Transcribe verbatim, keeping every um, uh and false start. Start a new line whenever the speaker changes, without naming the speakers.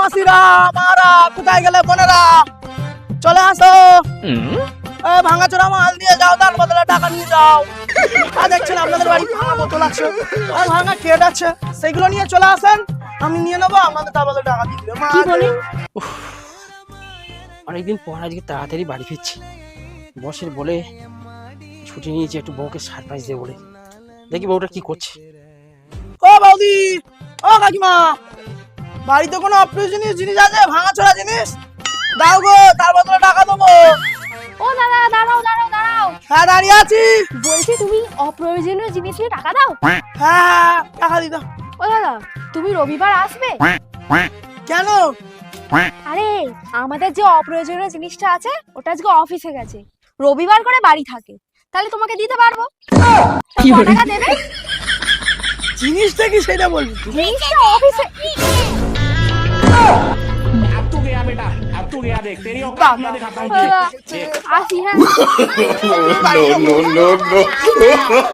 মাসিরা মারা কোথায় গেলে বোনেরা চলে আসো। ভাঙাচোরা মাল দিয়ে যাও, তার বদলে টাকা নিয়ে যাও। আর দেখছেন আপনাদের বাড়ি ভাঙা বোতল আছে আর ভাঙা কেট আছে, সেগুলো নিয়ে চলে আসেন, আমি নিয়ে নেবো, আপনাদের তার বদলে টাকা দিয়ে দিবে।
কি বলি?
অনেকদিন পর আজকে তাড়াতাড়ি বাড়ি ফিরছি। বসের বলে ছুটি নিয়েছি একটু বউকে সারপ্রাইজ দেবো বলে। দেখি বউটা কি করছে।
ও বৌদি, ও কাকিমা, বাড়িতে কোনো অপ্রয়োজনীয় জিনিস আছে, ভাঙাচোরা জিনিস দাও গো, তার বদলে টাকা দেবো।
ও দাদা দাঁড়াও দাঁড়াও দাঁড়াও,
হ্যাঁ দাঁড়িয়ে আছি।
বলছি তুমি অপ্রয়োজনীয় জিনিস নিয়ে টাকা দাও।
হ্যাঁ টাকা দিত।
ও দাদা তুমি রবিবার আসবে?
কেন?
আরে আমাদের যে অপ্রয়োজনীয় জিনিসটা আছে ওটা আজকে অফিসে গেছে, রবিবার করে বাড়ি থাকে, তাহলে তোমাকে দিতে পারবো। কি টাকা দেবে?
জিনিসটা কি সেটা বলবি?
জিনিসটা অফিসে।
अब तू गया बेटा, अब तू गया, देख तेरी औकात मैं दिखाता हूँ।
আসি হ্যাঁ।
no, no, no, no.